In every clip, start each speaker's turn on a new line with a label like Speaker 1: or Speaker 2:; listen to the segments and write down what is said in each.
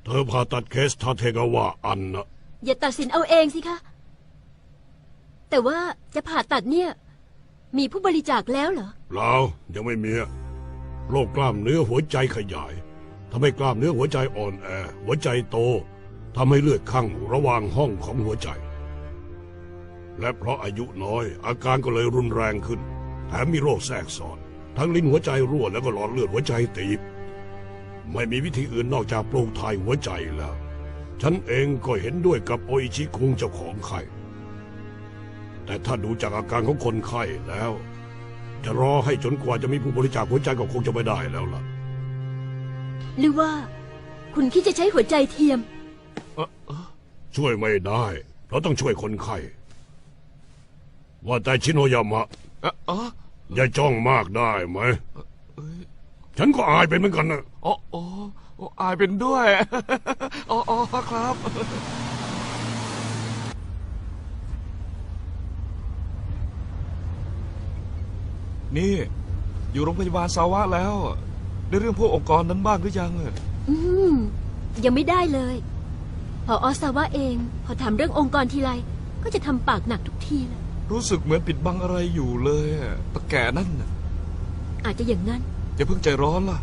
Speaker 1: เธอผ่าตัดเคสทาเทกาวะอันนะ
Speaker 2: อย่าตัดสินเอาเองสิคะแต่ว่าจะผ่าตัดเนี่ยมีผู้บริจาคแล้วเหรอ
Speaker 1: เปล่ายังไม่มีโรคกล้ามเนื้อหัวใจขยายทำให้กล้ามเนื้อหัวใจอ่อนแอหัวใจโตทำให้เลือดคั่งระหว่างห้องของหัวใจและเพราะอายุน้อยอาการก็เลยรุนแรงขึ้นแถมมีโรคแทรกซ้อนทั้งลิ้นหัวใจรั่วแล้วก็หลอดเลือดหัวใจตีบไม่มีวิธีอื่นนอกจากปลูกถ่ายหัวใจแล้วฉันเองก็เห็นด้วยกับโออิชิคุงเจ้าของไข้แต่ถ้าดูจากอาการของคนไข้แล้วจะรอให้จนกว่าจะมีผู้บริจาคหัวใจก็คงจะไม่ได้แล้วล่ะ
Speaker 2: หรือว่าคุณคิดจะใช้หัวใจเทียม
Speaker 1: ช่วยไม่ได้เราต้องช่วยคนไข้ว่าแต่ชิโนยามะอย่าจ้องมากได้ไหมฉันก็อายเป็นเหมือนกันนะ
Speaker 3: อ๋ออายเป็นด้วยอ๋อครับนี่อยู่โรงพยาบาลซาวะแล้วได้เรื่องพวกองค์กรนั้นบ้างหรือยัง
Speaker 2: ยังไม่ได้เลยพอซาวะเองพอถามเรื่ององค์กรทีไรก็จะทำปากหนักทุกทีเลย
Speaker 3: รู้สึกเหมือนปิดบังอะไรอยู่เลยตะแก่นั่น
Speaker 2: อาจจะอย่างนั้น
Speaker 3: อย่าเพิ่งใจร้อนล่ะ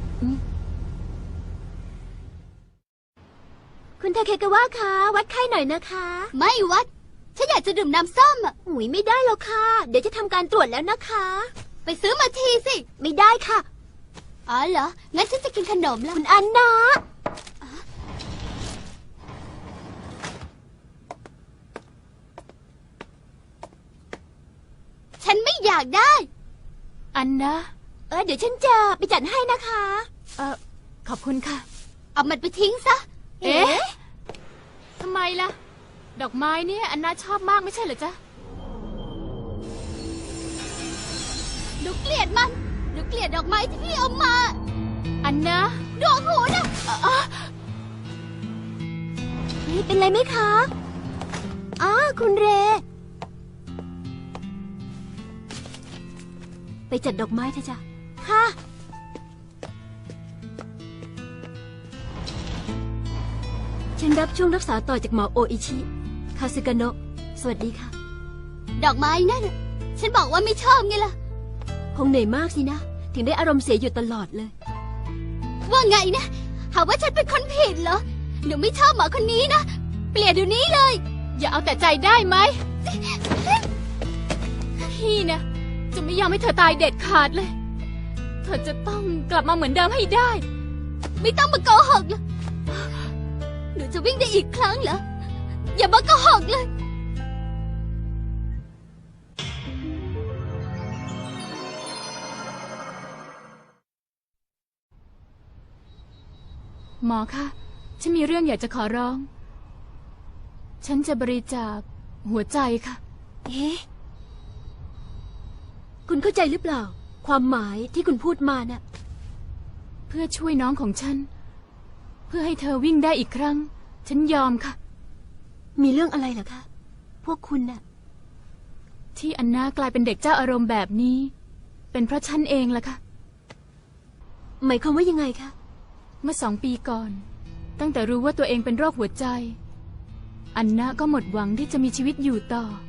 Speaker 2: คุณทาเคกาวะคะวัดไข้หน่อยนะคะ
Speaker 4: ไม่วัดฉันอยากจะดื่มน้ำส้ม
Speaker 2: หุยไม่ได้หรอกค่ะเดี๋ยวจะทำการตรวจแล้วนะคะ
Speaker 4: ไปซื้อมาทีสิ
Speaker 2: ไม่ได้ค่ะ
Speaker 4: อ๋อเหรองั้นฉันจะกินขนมแล้ว
Speaker 2: คุณอันนะ
Speaker 4: ฉันไม่อยากได้
Speaker 2: อันนะเดี๋ยวฉันจะไปจัดให้นะคะขอบคุณค่ะ
Speaker 4: เอามันไปทิ้งซะ
Speaker 2: ทำไมล่ะดอกไม้เนี่ยอันน่าชอบมากไม่ใช่เหรอจ๊ะ
Speaker 4: หนูเกลียดมันหนูเกลียดดอกไม้ที่พี่เอามา
Speaker 2: อันนะ
Speaker 4: ดวงหูนะ
Speaker 2: นี่เป็นไรไหมคะคุณเรไปจัดดอกไม้เถอะจ้ะค่ะฉันรับช่วงรักษาต่อจากหมอโออิชิคาสึกาโนะสวัสดีค่ะ
Speaker 4: ดอกไม้นั่นฉันบอกว่าไม่ชอบไงล่ะ
Speaker 2: คงเหนื่อยมากสินะถึงได้อารมณ์เสียอยู่ตลอดเลย
Speaker 4: ว่าไงนะหาว่าฉันเป็นคนผิดเหรอหนูไม่ชอบหมอคนนี้นะเปลี่ยนเดี๋ยวนี้เลย
Speaker 2: อย่าเอาแต่ใจได้ไหมพี่นะจะไม่ยอมให้เธอตายเด็ดขาดเลยเธอจะต้องกลับมาเหมือนเดิมให้ได้
Speaker 4: ไม่ต้องมาโกหกเลยหนูจะวิ่งได้อีกครั้งเหรออย่ามาโกหกเลย
Speaker 2: หมอคะฉันมีเรื่องอยากจะขอร้องฉันจะบริจาคหัวใจค่ะคุณเข้าใจหรือเปล่าความหมายที่คุณพูดมาน่ะเพื่อช่วยน้องของฉันเพื่อให้เธอวิ่งได้อีกครั้งฉันยอมค่ะมีเรื่องอะไรเหรอคะพวกคุณน่ะที่อันนากลายเป็นเด็กเจ้าอารมณ์แบบนี้เป็นเพราะฉันเองล่ะค่ะหมายความว่ายังไงคะเมื่อ2 ปีก่อนตั้งแต่รู้ว่าตัวเองเป็นโรคหัวใจอันนาก็หมดหวังที่จะมีชีวิตอยู่ต่อ